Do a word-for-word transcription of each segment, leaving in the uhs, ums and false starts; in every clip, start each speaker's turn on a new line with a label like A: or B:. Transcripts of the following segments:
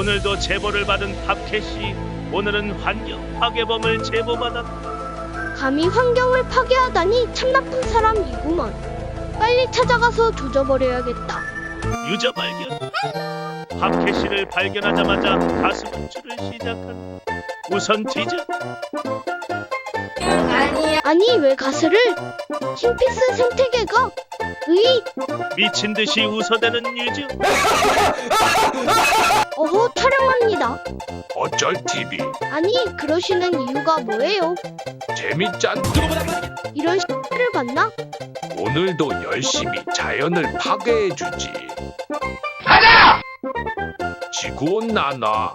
A: 오늘도 제보를 받은 팝캣이 오늘은 환경 파괴범을 제보받았다.
B: 감히 환경을 파괴하다니 참 나쁜 사람이구먼. 빨리 찾아가서 조져버려야겠다.
A: 유저 발견. 팝캣이를 발견하자마자 가슴 분출을 시작한다. 우선 뒤져.
B: 아니 왜 가스를? 킹피스 생태계가? 으이!
A: 미친 듯이 웃어대는 유저.
B: 어허 촬영합니다.
C: 어쩔 티비
B: 아니 그러시는 이유가 뭐예요?
C: 재밌잖.
B: 이런 X를 봤나?
C: 오늘도 열심히 자연을 파괴해주지. 가자! 지구온난화.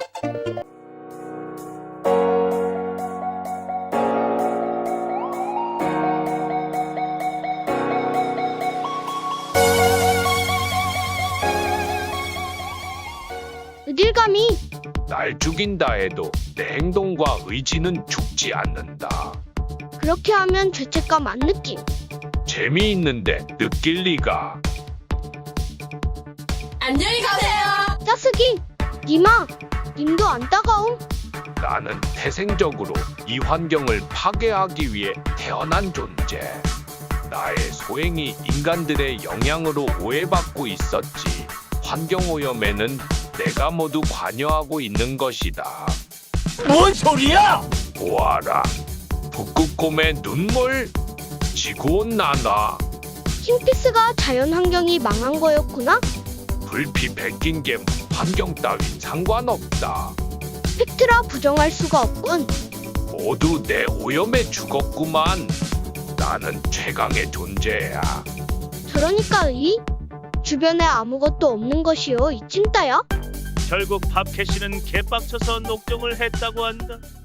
B: 어딜 감히?
C: 날 죽인다 해도 내 행동과 의지는 죽지 않는다.
B: 그렇게 하면 죄책감 안 느낌.
C: 재미있는데 느낄 리가.
D: 안녕히 가세요.
B: 짜스기! 님아! 님도 안 따가움?
C: 나는 태생적으로 이 환경을 파괴하기 위해 태어난 존재. 나의 소행이 인간들의 영향으로 오해받고 있었지. 환경오염에는 내가 모두 관여하고 있는 것이다.
A: 뭔 소리야?
C: 보아라. 북극곰의 눈물. 지구온난화.
B: 킹피스가 자연환경이 망한 거였구나?
C: 불피 베낀 게 환경 따윈 상관없다.
B: 팩트라 부정할 수가 없군.
C: 모두 내 오염에 죽었구만. 나는 최강의 존재야.
B: 저러니까 이? 주변에 아무것도 없는 것이요 이 찐따야?
A: 결국 팝캣이는 개빡쳐서 녹종을 했다고 한다.